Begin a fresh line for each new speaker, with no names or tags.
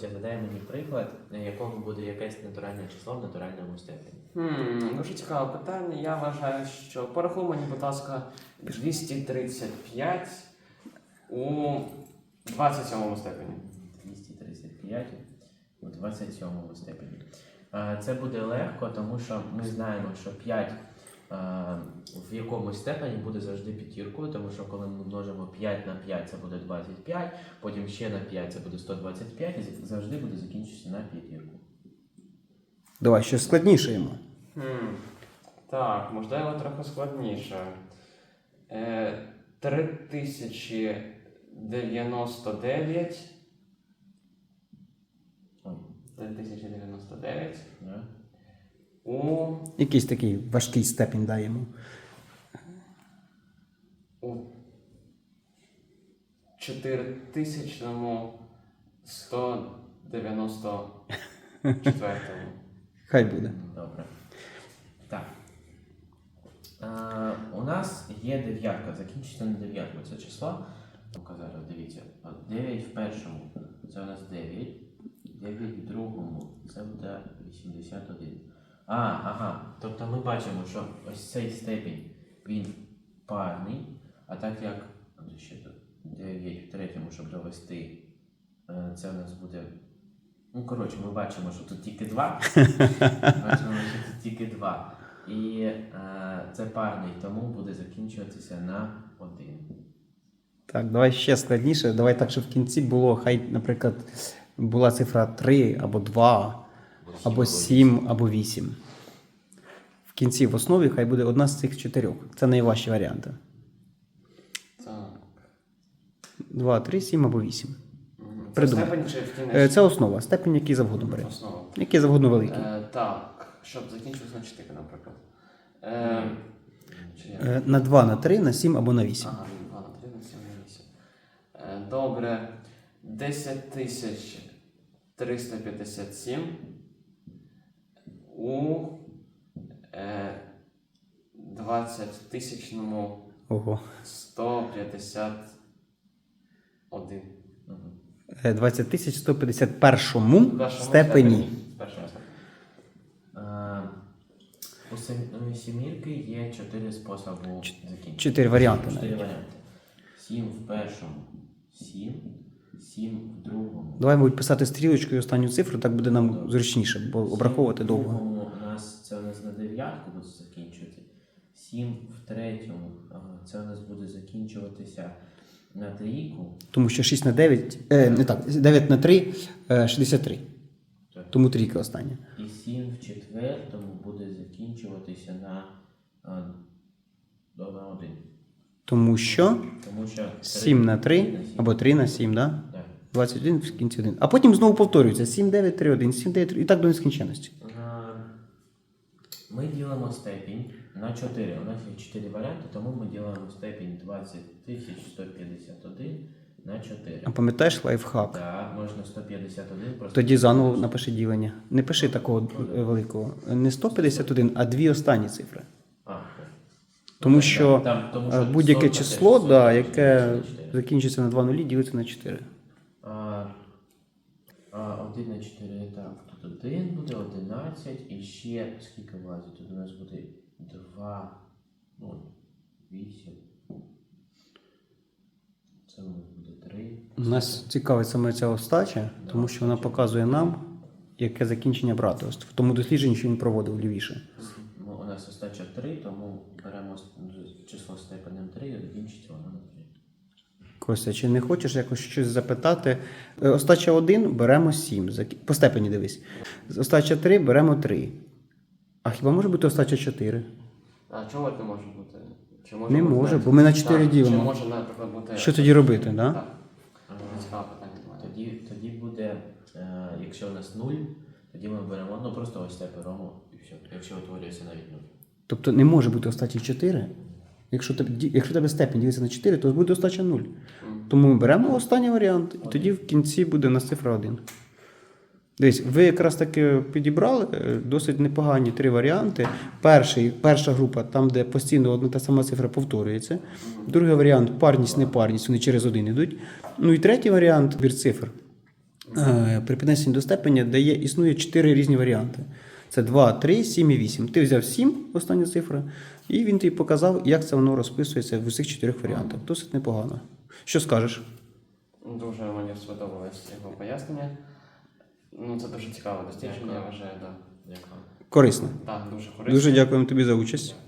загадай мені приклад, якому буде якесь натуральне число в натуральному степені.
Дуже цікаве питання. Я вважаю, що порахуй мені, будь ласка, 235 у 27 степені.
235 у 27 степені. Це буде легко, тому що ми знаємо, що 5 в якомусь степені буде завжди п'ятіркою, тому що коли ми множимо 5 на 5, це буде 25, потім ще на 5 це буде 125, і завжди буде закінчитися на п'ятірку.
Давай щось складніше йому.
Так, можливо, трохи складніше. 3099.
Ой.
3099.
Да?
У
Якийсь такий важкий степінь дай йому.
4194.
Хай буде.
Добре. Так. У нас є дев'ятка, закінчиться на дев'ятку це число. Ну-ка зараз, дивіться. 9 в першому, це у нас 9. 9 в другому, це буде 81. Ага. Тобто ми бачимо, що ось цей степінь, він парний, а так як ще 9 в третьому, щоб довести, це у нас буде... Ну, коротше, ми бачимо, що тут тільки 2. І це парний, тому буде закінчуватися на 1.
Так, давай ще складніше. Давай так, щоб в кінці було, хай, наприклад, була цифра 3 або 2, або 7, або 8. В кінці в основі хай буде одна з цих 4. Це найважчі варіанти.
Так.
2, 3, 7 або 8.
Це
Придумай.
степень чи в кінець?
Це основа. Степень, який завгодно бери.
Основа.
Який завгодно великий.
Так, щоб закінчилось на 4, наприклад. Чи як?
На 2, на 3, на 7 або на 8.
Ага, 2 на 3, на 7 на 8. Добре. 10357 у 20-тисячному
Ого.
151.
20 151 степені.
У сімірки є 4 способи закінчення.
4 варіанти
4
навіть.
варіанти. 7 в першому, 7, 7 в другому.
Давай, мабуть, писати стрілочкою останню цифру, так буде нам зручніше, бо обраховувати довго.
В другому це у нас на дев'ятку буде закінчувати. 7 в третьому, це у нас буде закінчуватися на трійку.
Тому що 6 на 9, не так, 9 на 3, 63.
Так.
Тому трійка остання.
І 7 в четвертому буде закінчуватися на 1.
Тому що
Тому що
7 на 3, або 3 на 7, да?
Так.
21 в кінці 1. А потім знову повторюється 7, 9, 3, 1, 7, 9, 3, і так до нескінченності.
Ми ділимо степінь на 4. У нас є 4 варіанти, тому ми ділимо степінь 20151 на 4.
А пам'ятаєш лайфхак?
Так, можна 151 просто...
Тоді заново напиши ділення. Не пиши такого великого. Не 151, а дві останні цифри. Тому що будь-яке число, да, яке закінчиться на 2 нулі, ділиться на 4.
1 на 4, так, тут 1 буде, 11, і ще скільки влазить? Тут у нас буде 2, 8. Це у нас буде 3.
Нас цікавить саме ця остача, тому що вона показує нам, яке закінчення брати. Ось в тому дослідженні, що він проводив лівіше.
У нас остача 3, тому беремо число степенем 3 і закінчиться воно на 3.
Костя, чи не хочеш якось щось запитати? Остача 1 беремо 7. По степені дивись. Остача 3 беремо 3. А хіба може бути остача 4?
А чого не може бути? Чи
Не може, бо ми на 4 ділимо.
Чи може, наприклад, бути...
Що тоді робити, да?
Так? Цікаве питання до мене.
Тоді буде, якщо у нас 0, тоді ми беремо, просто ось це беремо і все. Якщо утворюється навіть 0.
Тобто не може бути остачі 4. Якщо тебе степень ділиться на 4, то буде остача 0. Тому ми беремо останній варіант, і тоді в кінці буде у нас цифра 1. Дивись, ви якраз таки підібрали досить непогані 3 варіанти. Перша група, там, де постійно одна та сама цифра повторюється. Другий варіант – парність, непарність, вони через 1 йдуть. Ну і третій варіант – збір цифр. При піднесенні до степеня існує 4 різні варіанти. Це 2, 3, 7 і 8. Ти взяв 7, остання цифра, і він тобі показав, як це воно розписується в усіх 4 варіантах. Досить непогано. Що скажеш?
Дуже мені сподобалось його пояснення. Ну, це дуже цікаве дослідження, я
Дякую.
вважаю, так.
Дякую.
Корисно.
Так, дуже корисно.
Дуже дякуємо тобі за участь.